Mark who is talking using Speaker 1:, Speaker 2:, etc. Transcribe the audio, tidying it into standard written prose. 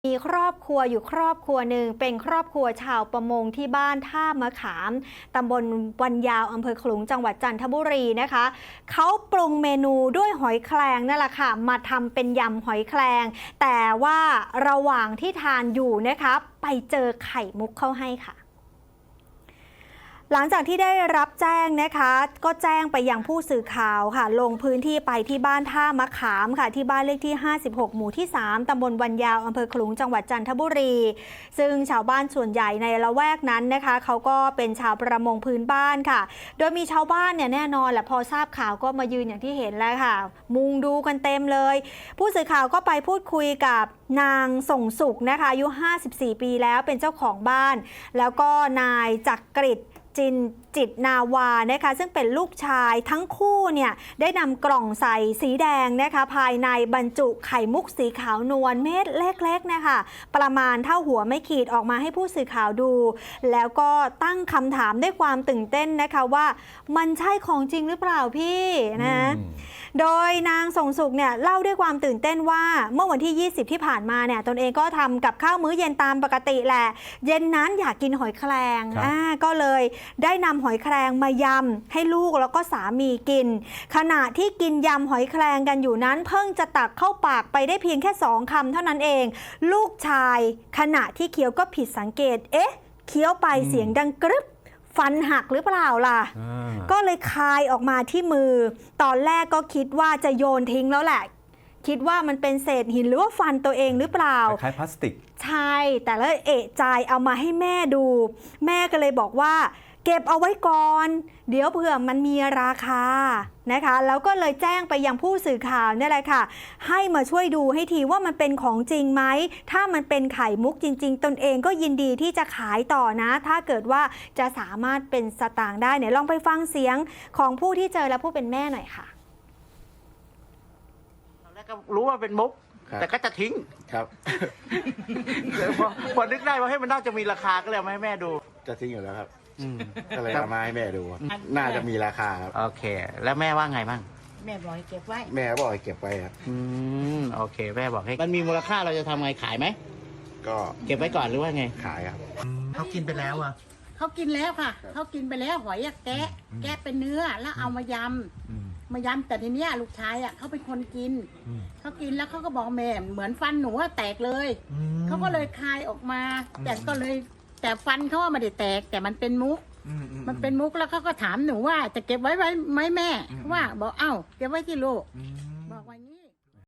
Speaker 1: มีครอบครัวอยู่ครอบครัวหนึ่งเป็นครอบครัวชาวประมงที่บ้านท่ามะขามตำบลวันยาวอำเภอขลุงจังหวัดจันทบุรีนะคะเขาปรุงเมนูด้วยหอยแครงนั่นแหละค่ะมาทำเป็นยำหอยแครงแต่ว่าระหว่างที่ทานอยู่นะคะไปเจอไข่มุกเข้าให้ค่ะหลังจากที่ได้รับแจ้งนะคะก็แจ้งไปยังผู้สื่อข่าวค่ะลงพื้นที่ไปที่บ้านท่ามะขามค่ะที่บ้านเลขที่56หมู่ที่3ตำบลวันยาวอำเภอขลุงจังหวัดจันทบุรีซึ่งชาวบ้านส่วนใหญ่ในละแวกนั้นนะคะเขาก็เป็นชาวประมงพื้นบ้านค่ะโดยมีชาวบ้านเนี่ยแน่นอนแหละพอทราบข่าวก็มายืนอย่างที่เห็นแล้วค่ะมุงดูกันเต็มเลยผู้สื่อข่าวก็ไปพูดคุยกับนางส่งสุขนะคะอายุ54ปีแล้วเป็นเจ้าของบ้านแล้วก็นายจักริดจิตนาวานะคะซึ่งเป็นลูกชายทั้งคู่เนี่ยได้นำกล่องใส่สีแดงนะคะภายในบรรจุไข่มุกสีขาวนวลเม็ดเล็กๆนะคะประมาณเท่าหัวไม่ขีดออกมาให้ผู้สื่อข่าวดูแล้วก็ตั้งคำถามด้วยความตื่นเต้นนะคะว่ามันใช่ของจริงหรือเปล่าพี่นะโดยนางส่งสุขเนี่ยเล่าด้วยความตื่นเต้นว่าเมื่อวันที่20ที่ผ่านมาเนี่ยตนเองก็ทำกับข้าวมื้อเย็นตามปกติแหละเย็นนั้นอยากกินหอยแครงก็เลยได้นำหอยแครงมายำให้ลูกแล้วก็สามีกินขณะที่กินยำหอยแครงกันอยู่นั้นเพิ่งจะตักเข้าปากไปได้เพียงแค่2 คำเท่านั้นเองลูกชายขณะที่เคี้ยวก็ผิดสังเกตเคี้ยวไปเสียงดังกรึบฟันหักหรือเปล่าล่ะก็เลยคายออกมาที่มือตอนแรกก็คิดว่าจะโยนทิ้งแล้วแหละคิดว่ามันเป็นเศษหินหรือว่าฟันตัวเองหรือเปล่า
Speaker 2: คล้ายพลาสติก
Speaker 1: ใช่แต่แล้วเอะใจเอามาให้แม่ดูแม่ก็เลยบอกว่าเก็บเอาไว้ก่อนเดี๋ยวเผื่อมันมีราคานะคะแล้วก็เลยแจ้งไปยังผู้สื่อข่าวนี่แหละค่ะให้มาช่วยดูให้ทีว่ามันเป็นของจริงไหมถ้ามันเป็นไข่มุกจริงๆตนเองก็ยินดีที่จะขายต่อนะถ้าเกิดว่าจะสามารถเป็นสตางค์ได้เนี่ยลองไปฟังเสียงของผู้ที่เจอและผู้เป็นแม่หน่อยค่ะ
Speaker 3: แล้วก็รู้ว่าเป็นมุกแต่ก็จะทิ้ง
Speaker 4: ครับ
Speaker 3: พอนึกได้ว่าให้มันน่าจะมีราคาก็เลยเอามาให้แม่ดู
Speaker 4: จะทิ้งอยู่แล้วครับก็เลยเอามาให้แม่ดูน่าจะมีราคาครับ
Speaker 3: โอเคแล้วแม่ว่าไงบ้าง
Speaker 5: แม่บอกให้เก็บไว้
Speaker 4: แม่บอกให้เก็บไว้ครับ
Speaker 3: โอเคแม่บอกให้มันมีมูลค่าเราจะทำไงขายไหม
Speaker 4: ก็
Speaker 3: เก็บไว้ก่อนหรือว่าไง
Speaker 4: ขายครับ
Speaker 3: เขากินไปแล้วอ่ะ
Speaker 5: เขากินแล้วค่ะเขากินไปแล้วหอยแกะเป็นเนื้อแล้วเอามายำแต่ทีเนี้ยลูกชายอ่ะเขาเป็นคนกินเขากินแล้วเขาก็บอกแม่เหมือนฟันหนูแตกเลยเขาก็เลยคายออกมาแต่ฟันเขาว่าไม่ได้แตกแต่มันเป็นมุกแล้วเขาก็ถามหนูว่าจะเก็บไว้ไหมแม่ว่าบอกเอ้าเก็บไว้ที่ลูก